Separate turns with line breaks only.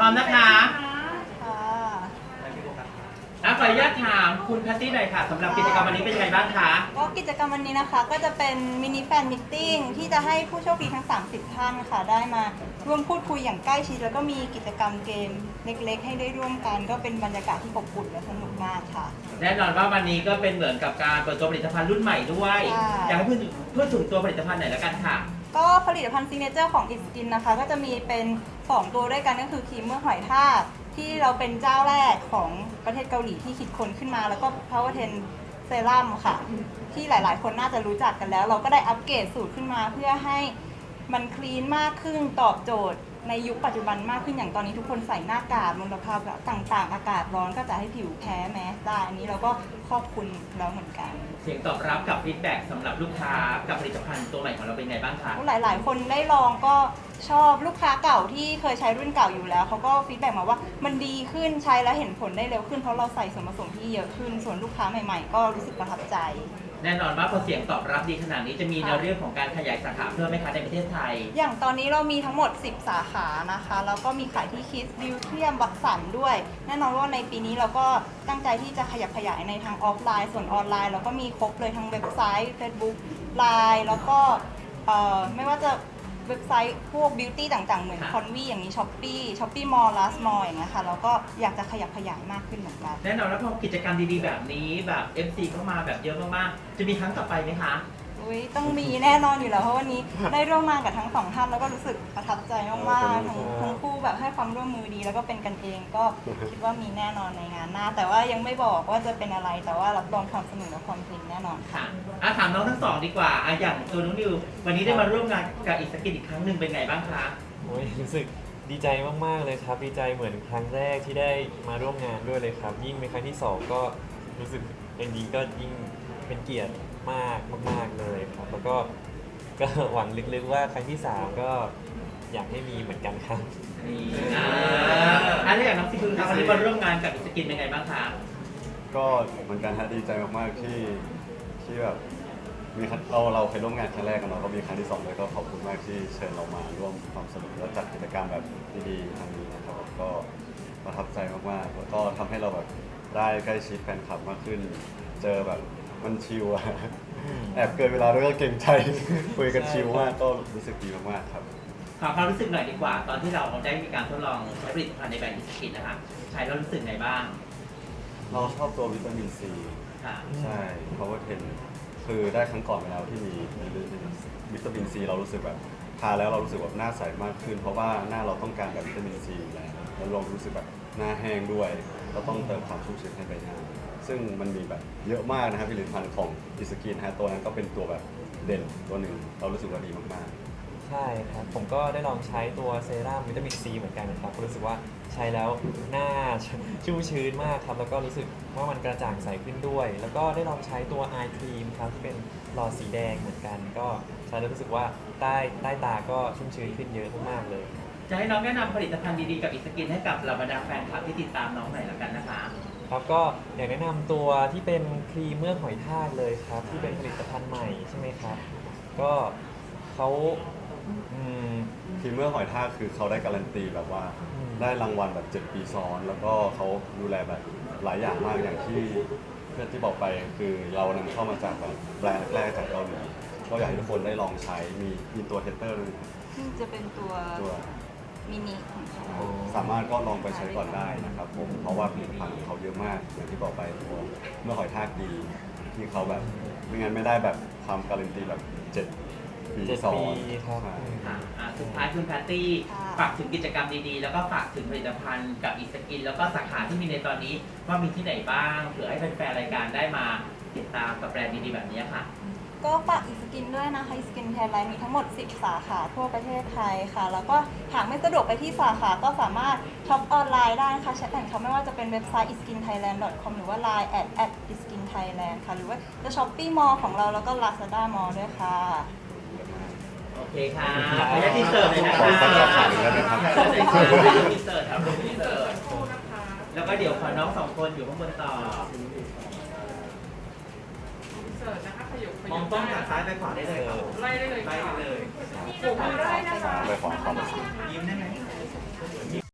ร้อมนะคะ
ค่ะ
ขออนุญาตถามคุณแพตตี้หน่อยค่ะสำหรับกิจกรรมวันนี้เป็นยังไงบ้างคะ
ก็กิจกรรมวันนี้นะคะก็จะเป็นมินิแฟนมิทติ้งที่จะให้ผู้โชคดีทั้ง 30 ท่านค่ะได้มาร่วมพูดคุยอย่างใกล้ชิดแล้วก็มีกิจกรรมเกมเล็กๆ ให้ได้ร่วมกันก็เป็นบรรยากาศที่อบอุ่นและสนุกมากค่ะ
แน่นอนว่าวันนี้ก็เป็นเหมือนกับการเปิดตัวผลิตภัณฑ์รุ่นใหม่ด้วย
ใช่
อยากให้พูดถึงตัวผลิตภัณฑ์หน่อยแล้วกันค่ะ
ก็ผลิตภัณฑ์ซิกเนเจอร์ของอิสกินนะคะก็จะมีเป็น 2 ตัวด้วยกันก็คือครีมเมื่อหอยทากที่เราเป็นเจ้าแรกของประเทศเกาหลีที่คิดค้นขึ้นมาแล้วก็ Power 10 เซรั่มค่ะ ที่หลายๆ คนน่าจะรู้จักกันแล้ว เราก็ได้อัปเกรดสูตรขึ้นมาเพื่อให้มันคลีนมากขึ้นตอบโจทย์ในยุคปัจจุบันมากขึ้นอย่างตอนนี้ทุกคนใส่หน้ากากมลภาวะต่างๆ อากาศร้อนก็จะให้ผิวแพ้แมสได้อันนี้เราก็ครอบคลุมแล้วเหมือนกัน
เสียงตอบรับกับฟีดแบ็กสำหรับลูกค้ากับผลิตภัณฑ์ตัวใหม่ของเราเป็นไงบ้างคะ
หลายๆ คนได้ลองก็ชอบลูกค้าเก่าที่เคยใช้รุ่นเก่าอยู่แล้วเขาก็ฟีดแบ็กมาว่ามันดีขึ้นใช้แล้วเห็นผลได้เร็วขึ้นเพราะเราใส่ส่วนผสมที่เยอะขึ้นส่วนลูกค้าใหม่ๆ ก็รู้สึกประทับใจ
แน่นอนว่าพอเสียงตอบรับดีขนาดนี้จะมีแนวเรื่องของการขยายสาขาเพิ่มไหมคะในประเทศไทย
อย่างตอนนี้เรามีทั้งหมด 10 สาขานะคะแล้วก็มีขายที่คิสบิวเทียมวัคสันด้วย แน่นอนว่าในปีนี้เราก็ตั้งใจที่จะขยับขยายในทางออฟไลน์ส่วนออนไลน์เราก็มีครบเลยทั้งเว็บไซต์ Facebook Line แล้วก็ไม่ว่าจะเว็บไซต์พวกบิวตี้ต่างๆ เหมือน
ค่ะ
คอนวีอย่างนี้ช้อปปี้มอลล์ลาสมอลอย่างเงี้ยค่ะเราก็อยากจะขยับขยายมากขึ้นเหมือนกัน
แน่นอนว่าพอกิจกรรมดีๆแบบนี้แบบ FC เข้ามาแบบเยอะมากๆจะมีครั้งต่อไปไหมคะ
อุ๊ยต้องมีแน่นอนอยู่แล้วเพราะวันนี้ได้ร่วมงานกับทั้งสองท่านแล้วก็รู้สึกประทับใจมากๆทั้งคู่แบบให้ความร่วมมือดีแล้วก็เป็นกันเองก็คิดว่ามีแน่นอนในงานหน้า แต่ว่ายังไม่บอกว่าจะเป็นอะไรแต่ว่ารับรองความสนุกและความจริงแน่นอนค่ะ
ค่ะถามน้องทั้งสองดีกว่าอย่างตัวน้องนิววันนี้ได้มาร่วมงานกับอิสกินอีกครั้งหนึ่งเป็นไงบ้างคะ
โอ้ยรู้สึกดีใจมากๆเลยครับดีใจเหมือนครั้งแรกที่ได้มาร่วมงานด้วยเลยครับ ยิ่งเป็นครั้งที่สองก็รู้สึกอย่างนี้ก็ยิ่งเป็นเกียรติมากมากๆเลยครับแล้วก็หวังลึกๆว่าครั้งที่สามก็อยากให้มีเหมือนกันครับ
นี่แล้วอย่างน้องซิคุครับวันนี้มาร่วมงานกับอิสกินเป็นไงบ้างคะ
ก็เหมือนกันฮะดีใจมากๆที่แบบมีเราเคยร่วมงานครั้งแรกกันเนาะก็มีครั้งที่สองเลยก็ขอบคุณมากที่เชิญเรามาร่วมความสนุกและจัดกิจกรรมแบบดีๆครั้งนี้นะครับก็ประทับใจมากๆแล้วก็ทำให้เราแบบได้ใกล้ชิดแฟนคลับมากขึ้น เจอแบบมันชิลอะแอบเกินเวลาด้วยก็เก่งใจ คุยกันชิลมากก็รู้สึกดีมากๆครับ
ขอความรู้สึกหน่อยดีกว่า ตอนที่เราได้มีการทดลองใช้ผลิตภัณฑ์ในแบรนด์อิสกินนะคะใช้แล้วรู้สึกไงบ้าง
เราชอบตัววิตามินซี
ค่ะ
ใช่ เพราะว่าคือได้ครั้งก่อนไปแล้วที่มีวิตามินซีเรารู้สึกแบบทาแล้วเรารู้สึกแบบหน้าใสมากขึ้น เพราะว่าหน้าเราต้องการแบบวิตามินซีอยู่แล้วเรารู้สึกแบบหน้าแห้งด้วยเราต้องเติมความชุ่มชื้นให้ใบหน้าซึ่งมันมีแบบเยอะมากนะครับผลิตภัณฑ์ของอิสกินฮะตัวนั้นก็เป็นตัวแบบเด่นตัวหนึ่งเรารู้สึกว่าดีมากๆ
ใช่ครับ ผมก็ได้ลองใช้ตัวเซรั่มวิตามินซีเหมือนกันนะครับรู้สึกว่าใช้แล้วหน้าชุ่มชื้นมากครับแล้วก็รู้สึกว่ามันกระจ่างใสขึ้นด้วย แล้วก็ได้ลองใช้ตัว Eye Cream ครับที่เป็นหลอดสีแดงเหมือนกัน ก็ใช้แล้วรู้สึกว่าใต้ตาก็ชุ่มชื้นขึ้นเยอะมากๆเลย
จะให้น้องแนะนำผลิตภัณฑ์ดีๆกับอิสกินให้กับเหล่าบรรดาแฟนคลับที่ติดตามน้องหน่อยแล้วกันนะคะ
ครับก็อยากแนะนำตัวที่เป็นครีมเมือกหอยทากเลยครับที่เป็นผลิตภัณฑ์ใหม่ใช่ไหมครับก็เขาอืม
ทีมเมื่อหอยทากคือเขาได้การันตีแบบว่า
อืม
ได้รางวัลแบบ7 ปีซ้อน แล้วก็เขาดูแลแบบหลายอย่างมากอย่างที่เพื่อนที่บอกไปคือเรานำเข้ามาจากแบบแบรนด์แรกๆจากเกาหลีก็อยากให้ทุกคนได้ลองใช้มีตัวเทสเตอร์ด้วยนะครับ
ซึ่งจะเป็นตัว
ตัว
มินิของเขา
สามารถก็ลองไปใช้ก่อนได้นะครับผมเพราะว่าผลิตภัณฑ์ของเขาเยอะมากอย่างที่บอกไปตัวเมื่อหอยทากดีที่เขาแบบไม่งั้นไม่ได้แบบความการันตีแบบ7 ปี
7
ซ้อ
ปี
น
ครับ
ใช่
สุดท้ายคุณแพตตี้ฝากถึงกิจกรรมดีๆ แล้วก็ฝากถึงผลิตภัณฑ์กับอิสกินแล้วก็สาขาที่มีในตอนนี้ว่ามีที่ไหนบ้างเผื่อให้แฟนๆรายการได้มาติดตามกับแบรนด์ดีๆแบบนี้ค่ะ
ก็ฝากอิสกินด้วยนะคะอิสกินไทยแลนด์มีทั้งหมด 10 สาขาทั่วประเทศไทยค่ะ แล้วก็หากไม่สะดวกไปที่สาขาก็สามารถช็อปออนไลน์ได้นะคะแชทแอนด์ช็อปไม่ว่าจะเป็นเว็บไซต์ iskinthailand.com หรือว่า Line @iskinthailand ค่ะ หรือว่าจะช้อปปี้มอลของเราแล้วก็ Lazada Mall ด้วยค่ะ
โอเคค่ะขออนุญาตที่เสิร์ฟเลยนะคะ
ขอสักสาขาหนึ่งได้ไหมครับ
ที่เสิร์ฟครับที่เสิร์ฟแล้วก็เดี๋ยวขอน้องสองคนอยู่ข้างบนต่อ
เสิร์ชนะคะขยุก
มองกล้องจากซ้ายไปขวาได้เลยครับ
ไล่ได้เลย
ไล่
ค่ะ
ไปเลย
ปลูกมือได้นะคะ
ไปขอความ
ยิ้มได้ไหม